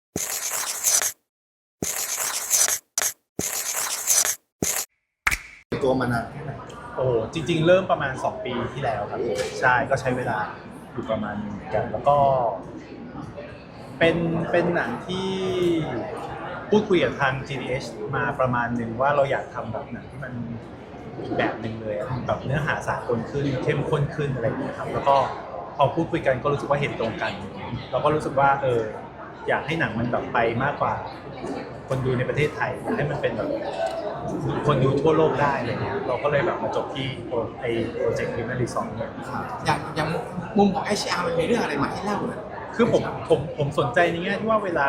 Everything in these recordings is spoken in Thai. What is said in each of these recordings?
ตัวมานานแค่ไหนโอ้จริงๆเริ่มประมาณ2 ปีที่แล้วครับใช่ก็ใช้เวลาอยู่ประมาณนึงกันแล้วก็เป็นหนังที่พูดคุยกับทาง GDH มาประมาณหนึ่งว่าเราอยากทำแบบหนังที่มันอีกแบบหนึ่งเลยแบบเนื้อหาสากลขึ้นเข้มข้นขึ้นอะไรอย่างเงี้ยครับแล้วก็พอพูดคุยกันก็รู้สึกว่าเห็นตรงกันเราก็รู้สึกว่าอยากให้หนังมันแบบไปมากกว่าคนดูในประเทศไทยอยากให้มันเป็นแบบคนดูทั่วโลกได้อะไรเงี้ยเราก็เลยแบบมาจบที่โปรเจกต์พิมพ์รีสอร์ทเนี่ยอย่างมุมของ HR มันมีเรื่องอะไรมาให้เล่าเลยคือผมสนใจในแง่ที่ว่าเวลา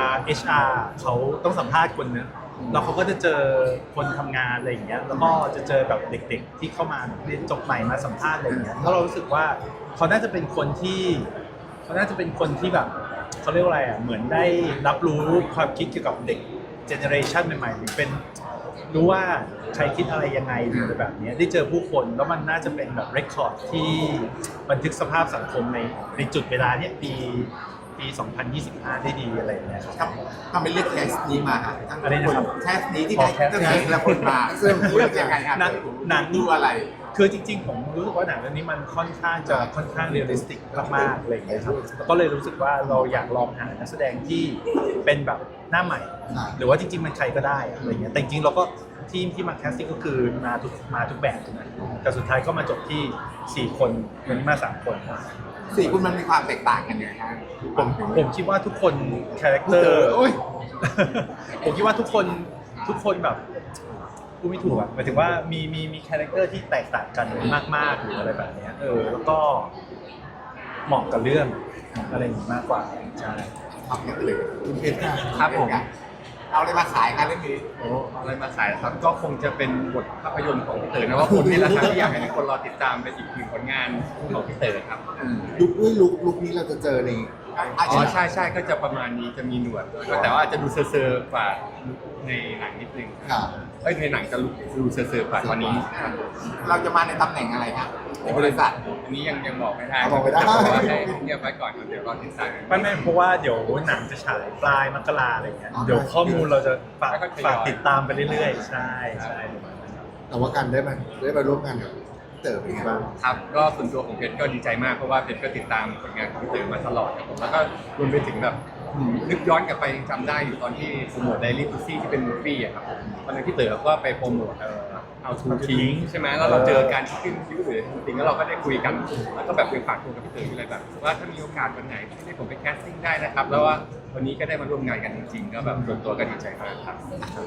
HR เขาต้องสัมภาษณ์คนนะแล้วเขาก็จะเจอคนทำงานอะไรอย่างเงี้ยแล้วก็จะเจอแบบเด็กๆที่เข้ามาเรียนจบใหม่มาสัมภาษณ์อะไรอย่างเงี้ยแล้วเรารู้สึกว่าเขาน่าจะเป็นคนที่แบบเขาเรียกว่าอะไรอ่ะเหมือนได้รับรู้ความคิดเกี่ยวกับเด็กเจเนอเรชันใหม่ๆหรือเป็นรู้ว่าใครคิดอะไรยังไงหรืออะไรแบบนี้ได้เจอผู้คนแล้วมันน่าจะเป็นแบบเรคคอร์ดที่บันทึกสภาพสังคมในจุดเวลาเนี้ยปี 2025 ได้ดีอะไรอย่างเงี้ยครับทำเป็นเรื่องแคสนี้มาอะไรนะครับแคสนี้ที่ได้เรื่องละคนมาซึ่งเรื่องยังไงครับหนังดูอะไรคือจริงๆผมรู้สึกว่าหนังเรื่องนี้มันค่อนข้างเรียลลิสติกมากๆอะไรอย่างเงี้ยครับก็เลยรู้สึกว่าเราอยากลองหานักแสดงที่เป็นแบบหน้าใหม่หรือว่าจริงๆมันใครก็ได้อะไรเงี้ยแต่จริงๆเราก็ทีมที่มาแคสติ้งก็คือมาทุกแบบนะแต่สุดท้ายก็มาจบที่4 คนวันนี้มา3 คน 4 คนมันมีความแตกต่างกันยังไงครับผมคิดว่าทุกคนคาแรคเตอร์ผมคิดว่าทุกคนแบบพูดไม่ถูกอ่ะหมายถึงว่ามีคาแรคเตอร์ที่แตกต่างกันมากๆหรืออะไรแบบนี้แล้วก็เหมาะกับเรื่องอะไรอย่างนี้มากกว่าใช่ครับเลยคุณเพชรครับผมเอาอะไรมาขายกันเรื่องนี้เอาอะไรมาขายครับก็คงจะเป็นบทภาพยนตร์ของพี่เต๋อนะว่าผมนี่แหละครับที่อยากให้คนรอติดตามเป็นอีกหนึ่งผลงานของพี่เต๋อครับลุคนี้เราจะเจอในอ๋อใช่ก็จะประมาณนี้จะมีหนวดแต่ว่าจะดูเซอร์กว่าในหนังนิดนึงในหนังจะดูเซอร์กว่าตอนนี้เราจะมาในตำแหน่งอะไรครับในบริษัทอันนี้ยังบอกไม่ได้บอกไม่ได้ให้เงียบไว้ก่อนเดี๋ยวรอติดตามไม่เพราะว่าเดี๋ยวหนังจะฉายปลายมกราอะไรเงี้ยเดี๋ยวข้อมูลเราจะฝากติดตามไปเรื่อยๆใช่แต่ว่าการได้มาร่วมงานกับเต๋อเป็นไงบ้างครับก็ส่วนตัวของเพชรก็ดีใจมากเพราะว่าเพชรก็ติดตามผลงานของพี่เต๋อมาตลอดครับผมแล้วก็รวมไปถึงแบบนึกย้อนกลับไปจำได้อยู่ตอนที่โปรโมทไดรี่ทูซี่ที่เป็นมูฟวี่อะครับตอนนั้นพี่เต๋อก็ไปโปรโมทเอาทูทิ้งใช่ไหมแล้วเราเจอการขึ้นคิวหรือจริงแล้วเราก็ได้คุยกันแล้วก็แบบเป็นฝากตัวกับพี่เต๋ออยู่เลยแบบว่าถ้ามีโอกาสวันไหนที่ได้ผมไปแคสติ้งได้นะครับแล้วว่าวันนี้ก็ได้มาร่วมงานกันจริงๆก็แบบส่วนตัวก็ดีใจมากครับ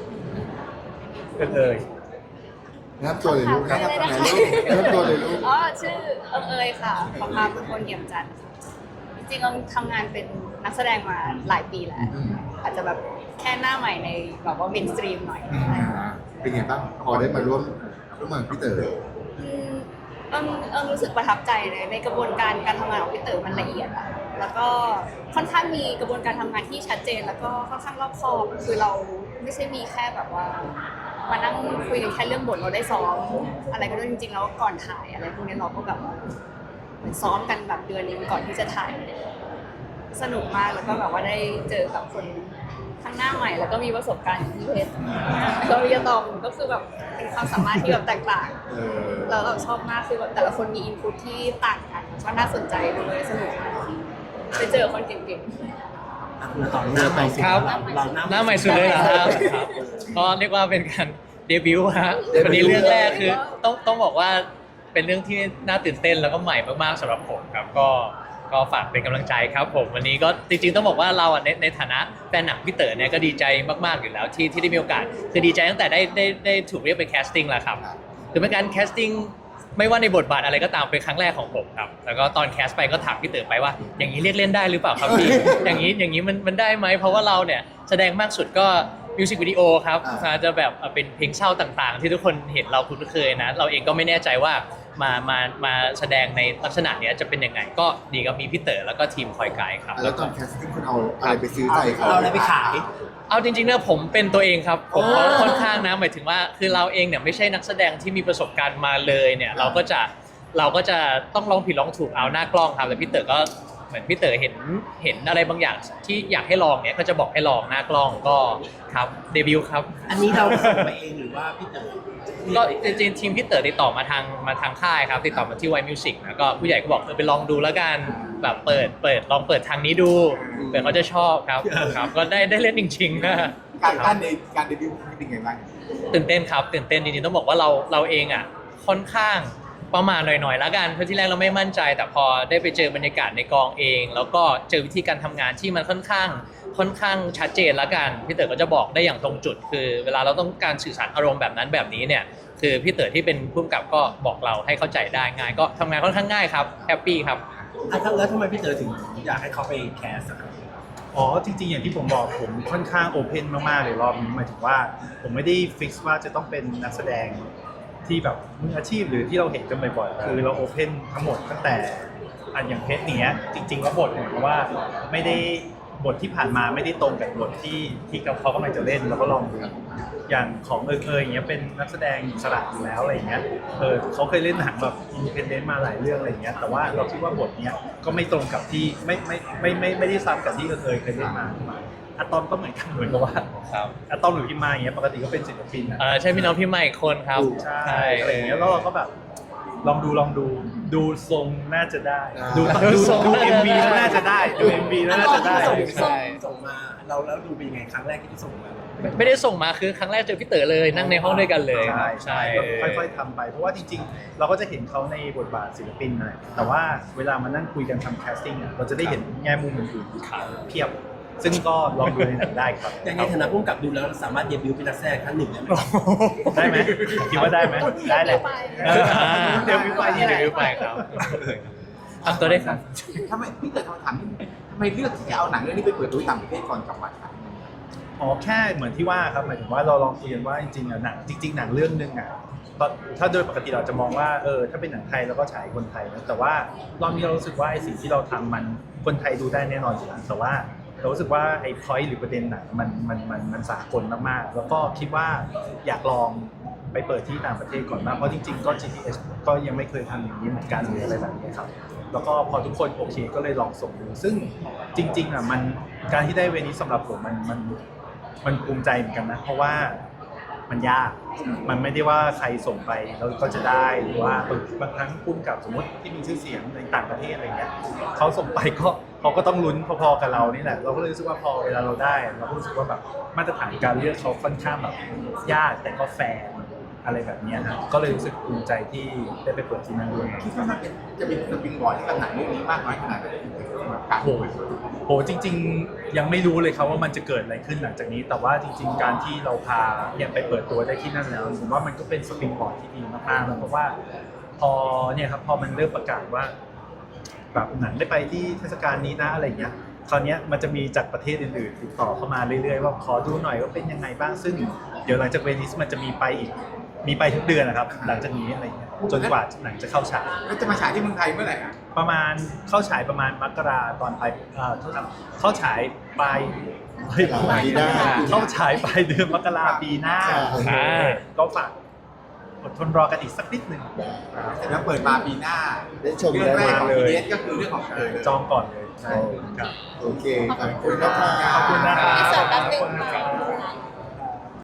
นะครับตัวเลยลูกนะครับตัวเลยลูกอ๋อชื่อเอยค่ะประภาบุญคนเยี่ยมจันทร์จริงๆเราทำงานเป็นนักแสดงมาหลายปีแล้วอาจจะแบบแค่หน้าใหม่ในแบบว่าเมนสตรีมหน่อยเป็นไงบ้างพอได้มาร่วมงานพี่เต๋อรู้สึกประทับใจเลยในกระบวนการทำงานของพี่เต๋อมันละเอียดอะแล้วก็ค่อนข้างมีกระบวนการทำงานที่ชัดเจนแล้วก็ค่อนข้างรอบคอบคือเราไม่ใช่มีแค่แบบว่ามานั่งคุยกันแค่เรื่องบทเราได้ซ้อมอะไรก็ด้วยจริงๆแล้วก่อนถ่ายอะไรพวกนี้เราก็แบบเหมือนซ้อมกันแบบเดือนนึงก่อนที่จะถ่ายสนุกมากแล้วก็แบบว่าได้เจอกับคนทั้งหน้าใหม่แล้วก็มีประสบการณ์ที่เพชรแล้ววิยาตอมก็คือแบบเป็นความสามารถที่แบบแตกต่างแล้วเราชอบมากคือแบบแต่ละคนมีอินพุตที่ต่างกันก็น่าสนใจด้วยสนุกมากไปเจอคนเก่งๆครับหน้าใหม่สุดเลยเหรอครับก็เรียกว่าเป็นการเดบิวต์ฮะวันนี้เรื่องแรกคือต้องบอกว่าเป็นเรื่องที่น่าตื่นเต้นแล้วก็ใหม่มากๆสำหรับผมครับก็ฝากเป็นกำลังใจครับผมวันนี้ก็จริงๆต้องบอกว่าเราในฐานะแฟนหนังพี่เต๋อเนี่ยก็ดีใจมากๆอยู่แล้วที่ได้มีโอกาสคือดีใจตั้งแต่ได้ถูกเรียกไปแคสติ้งแล้วครับคือเป็นการแคสติ้งไม่ว่าในบทบาทอะไรก็ตามเป็นครั้งแรกของผมครับแล้วก็ตอนแคสไปก็ถามพี่เต๋อไปว่าอย่างนี้เรียกเล่นได้หรือเปล่าครับพี่อย่างนี้มันได้ไหมเพราะว่าเราเนี่ยแสดงมากสุดก็มิวสิกวิดีโอครับจะแบบเป็นเพลงเศร้าต่างๆที่ทุกคนเห็นเราคุ้นเคยนะเราเองก็ไม่แน่ใจว่ามาแสดงในลักษณะนี้จะเป็นยังไงก็ดีกับมีพี่เต๋อแล้วก็ทีมคอยไกด์ครับแล้วตอนแคสติ้งคุณเอาอะไรไปซื้อใจเขาเอาอะไรไปขายเอาจริงๆนะผมเป็นตัวเองครับผมค่อนข้างนะหมายถึงว่าคือเราเองเนี่ยไม่ใช่นักแสดงที่มีประสบการณ์มาเลยเนี่ยเราก็จะต้องลองผิดลองถูกเอาหน้ากล้องครับแต่พี่เต๋อก็เหมือนพี่เต๋อเห็นอะไรบางอย่างที่อยากให้ลองเนี้ยก็จะบอกให้ลองหน้ากล้องก็ครับเดบิวต์ครับอันนี้เราส่งไปเองหรือว่าพี่เต๋อก็จริงๆทีมพี่เต๋อติดต่อมาทางค่ายครับติดต่อมาที่ White Music นะก็ผู้ใหญ่ก็บอกไปลองดูแล้วกันแบบลองเปิดทางนี้ดูเผื่อเขาจะชอบครับก็ได้เล่นจริงๆนะการในการเดบิวต์เป็นไงบ้างตื่นเต้นครับตื่นเต้นจริงๆต้องบอกว่าเราเองอ่ะค่อนข้างประมาณหน่อยๆแล้วกันเพราะที่แรกเราไม่มั่นใจแต่พอได้ไปเจอบรรยากาศในกองเอง แล้วก็เจอวิธีการทำงานที่มันค่อนข้างชัดเจนแล้วกันพี่เต๋อก็จะบอกได้อย่างตรงจุด คือเวลาเราต้องการสื่อสารอารมณ์แบบนั้นแบบนี้เนี่ยคือพี่เต๋อที่เป็นผู้กำกับก็บอกเราให้เข้าใจได้ง่ายก็ทำงานค่อนข้างง่ายครับแฮปปี้ครับแล้วทำไมพี่เต๋อถึงอยากให้เขาไปแคสอะครับอ๋อจริงๆอย่างที่ผมบอกผมค่อนข้างโอเพนมากๆเลยรอบนี้หมายถึงว่าผมไม่ได้ฟิกซ์ว่าจะต้องเป็นนักแสดงที่แบบมืออาชีพหรือที่เราเห็นกันบ่อยๆคือเราโอเพนทั้งหมดตั้งแต่อย่างเพชรเนี้ยจริงๆแล้วบทเนี่ยเพราะว่าไม่ได้บทที่ผ่านมาไม่ได้ตรงกับบทที่เขากำลังจะเล่นเราก็ลองดูอย่างของอย่างเงี้ยเป็นนักแสดงอิสระอยู่แล้วอะไรอย่างเงี้ยเขาเคยเล่นหนังแบบอินดิเพนเดนต์มาหลายเรื่องอะไรอย่างเงี้ยแต่ว่าเราคิดว่าบทเนี้ยก็ไม่ตรงกับที่ไม่ได้ซ้ำกับที่เคยเล่นมาอะตอมก็เหมือนกับว่าครับอะตอมหรือพิมมาอย่างเงี้ยปกติก็เป็นศิลปินนะใช่พี่น้องพี่ใหม่อีกคนครับใช่อะไรอย่างเงี้ยแล้วเราก็แบบลองดูทรงน่าจะได้ดู MV น่าจะได้ดู MV น่าจะได้ส่งมาเราแล้วดูเป็นยังไงครั้งแรกที่ส่งมาไม่ได้ส่งมาคือครั้งแรกเจอพี่เต๋อเลยนั่งในห้องด้วยกันเลยใช่ก็ค่อยๆทำไปเพราะว่าจริงๆ เราก็จะเห็นเขาในบทบาทศิลปินนะแต่ว่าเวลามานั่งคุยกันทำแคสติ้งเราจะได้เห็นแง่มุมอื่นๆเพียบ ซึ่งก็ลองดูในหนังได้ครับอย่างในฐานะผู้กำกับดูแล้วสามารถเดบิวต์เป็นนักแสดงท่านหนึ่งได้ไหมได้ไหมคิดว่าได้ไหมได้แหละเดี๋ยววิวไปนี่แหละเดี๋ยววิวไปครับทำตัวได้ครับทำไมพี่เกิดคำถามนี้ทำไมเลือกที่จะเอาหนังเรื่องนี้ไปเปิดตัวต่างประเทศก่อนกลับมาครับอ๋อแค่เหมือนที่ว่าครับหมายถึงว่าเราลองคุยกันว่าจริงๆอ่ะหนังหนังเรื่องนึงอ่ะถ้าโดยปกติเราจะมองว่าถ้าเป็นหนังไทยเราก็ฉายคนไทยนะแต่ว่ารอบนี้เรารู้สึกว่าไอ้สิ่งที่เราทำมันคนไทยดูได้แน่นอนอยู่แล้วแต่ว่าเรารู้สึกว่าไอ้ point หรือประเด็นหนังมันสากลมากๆแล้วก็คิดว่าอยากลองไปเปิดที่ต่างประเทศก่อนมากเพราะจริงๆก็ GTS ก็ยังไม่เคยทำอย่างนี้เหมือนกันหรืออะไรแบบนี้ครับแล้วก็พอทุกคนโอเคก็เลยลองส่งดูซึ่งจริงๆอ่ะมันการที่ได้เวนี้สำหรับผมมันภูมิใจเหมือนกันนะเพราะว่ามันยากมันไม่ได้ว่าใครส่งไปแล้วก็จะได้หรือว่าบางครั้งพุ่มกับสมมติที่มีชื่อเสียงในต่างประเทศอะไรเงี้ยเขาส่งไปก็เขาก็ต้องลุ้นพอๆกับเรานี่แหละเราก็เลยรู้สึกว่าพอเวลาเราได้เราก็รู้สึกว่าแบบมาตรฐานการเลือกเขาค่อนข้างแบบยากแต่ก็แฟร์อะไรแบบนี้ฮะก็เลยรู้สึกภูมิใจที่ได้ไปเปิดที่นั่นด้วยคิดว่ามันจะเป็นสปริงบอร์ดให้กับหนังเรื่องนี้มากน้อยขนาดไหนการโหจริงๆยังไม่รู้เลยครับว่ามันจะเกิดอะไรขึ้นหลังจากนี้ แต่ว่าจริงๆการที่เราพาเนี่ยไปเปิดตัวได้ที่นั่นแล้วผมว่ามันก็เป็นสปริงบอร์ดที่ดีมากๆแล้วเพราะว่าพอเนี่ยครับพอมันเริ่มประกาศว่าแบบหนังได้ไปที่เทศกาลนี้นะอะไรเงี้ยคราวนี้มันจะมีจากประเทศอื่นๆติดต่อเข้ามาเรื่อยๆว่าขอดูหน่อยว่าเป็นยังไงบ้างซึ่งเดี๋ยวหลังจากเวนิสมันจะมีไปอีกมีไปทุกเดือนนะครับหลังจากนี้อะไรเงี้ยจนกว่าหนังจะเข้าฉายแล้วจะมาฉายที่เมืองไทยเมื่อไหร่อ่ะประมาณเข้าฉายประมาณมกราตอนปลายโทษครับเข้าฉายปลายปีหน้าเข้าฉายปลายเดือนมกราปีหน้าก็ฝากอดทนรอกันอีกสักนิดหนึ่งแล้วเปิดมาปีหน้าได้ชมเรื่องแรกของเลย PDS ก็คือเรื่องของเธอจองก่อนเลยใช่ครับโอเคขอบคุณนะครับขอบคุณนะครับอินเสิร์ตแป๊บนึงขอบคุณนะครับ